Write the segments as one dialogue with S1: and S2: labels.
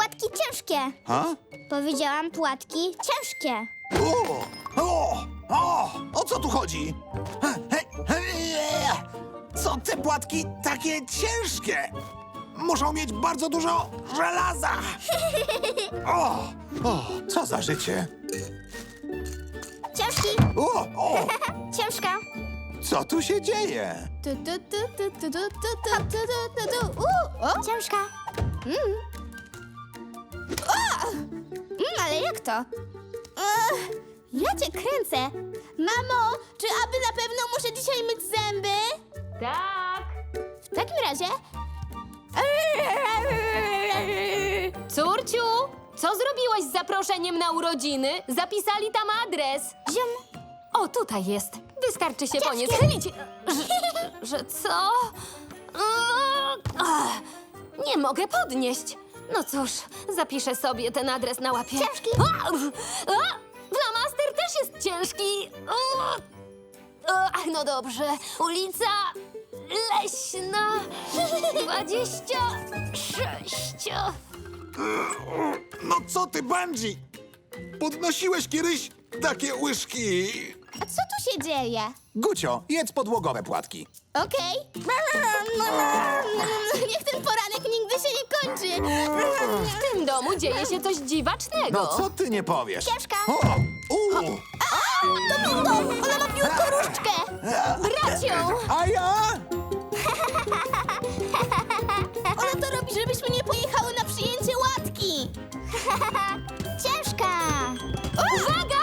S1: płatki ciężkie.
S2: Ha?
S1: Powiedziałam płatki ciężkie.
S2: O co tu chodzi? Co te płatki takie ciężkie? Muszą mieć bardzo dużo żelaza. Co za życie?
S1: Ciężki,
S2: O,
S1: ciężka.
S2: co tu się dzieje?
S1: Ciężka. Ale jak to? Ja cię kręcę. Mamo, czy aby na pewno muszę dzisiaj myć zęby?
S3: Tak.
S1: W takim razie...
S3: Córciu, co zrobiłaś z zaproszeniem na urodziny? Zapisali tam adres.
S1: Ziom.
S3: O, tutaj jest. Wystarczy się po nie schylić. Że co? Nie mogę podnieść. No cóż, zapiszę sobie ten adres na łapie.
S1: Ciężki.
S3: Flamaster też jest ciężki. No dobrze. Ulica Leśna 26.
S2: No co ty, Bungie? Podnosiłeś kiedyś takie łyżki.
S1: A co tu się dzieje?
S2: Gucio, jedz podłogowe płatki.
S1: Okej. Niech ten poranek nigdy się nie kończy.
S3: W tym domu dzieje się coś dziwacznego.
S2: No co ty nie powiesz?
S1: Ciężka.
S2: To
S1: Bingo! Ona ma piórko różdżkę.
S3: Brać ją!
S2: A ja?
S1: Ona to robi, żebyśmy nie pojechały na przyjęcie łatki. Ciężka.
S3: Uwaga!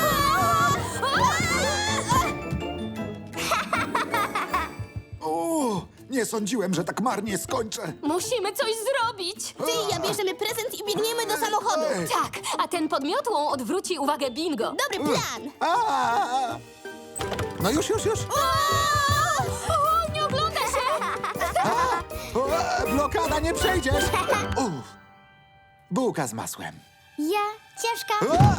S2: Nie sądziłem, że tak marnie skończę.
S3: Musimy coś zrobić!
S1: Ty i ja bierzemy prezent i biegniemy do samochodu.
S2: Ej.
S3: Tak, a ten podmiotłą odwróci uwagę Bingo.
S1: Dobry plan.
S2: A! No już.
S3: Nie ogląda się!
S2: Blokada, nie przejdziesz. Bułka z masłem.
S1: Ja. Ciężka.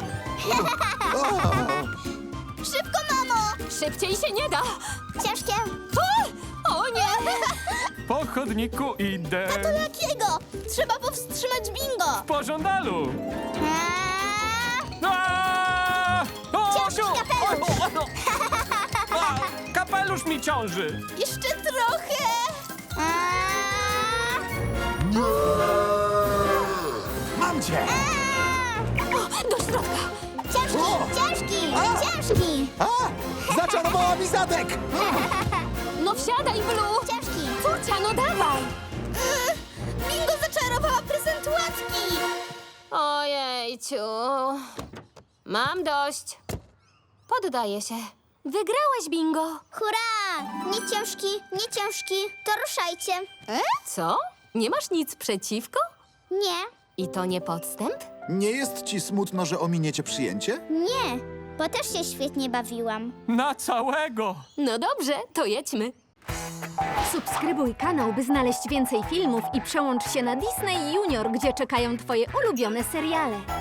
S1: Szybko, mamo.
S3: Szybciej się nie da!
S1: Ciężkie.
S3: O nie!
S4: Po chodniku idę
S1: To jakiego? Trzeba powstrzymać bingo.
S4: po żądalu.
S1: A,
S4: Aaaa! O,
S1: Ciężki
S4: Osiu!
S1: kapelusz.
S4: Kapelusz mi ciąży.
S1: Jeszcze trochę. A,
S2: Mam cię.
S3: Do środka!
S1: Ciężki.
S2: Zaczarowała mi zadek.
S3: No wsiadaj, Blue!
S1: Ciężki.
S3: Córcia, no dawaj!
S1: Bingo zaczarowała prezent łatki.
S3: Ojejciu. Mam dość. Poddaję się. Wygrałaś, Bingo.
S1: Hurra! Nie ciężki, to ruszajcie.
S3: Co? Nie masz nic przeciwko?
S1: Nie,
S3: I to nie podstęp?
S2: Nie jest ci smutno, że ominiecie przyjęcie?
S1: nie, bo też się świetnie bawiłam.
S4: Na całego.
S3: No dobrze, to jedźmy.
S5: Subskrybuj kanał, by znaleźć więcej filmów i przełącz się na Disney Junior, gdzie czekają twoje ulubione seriale.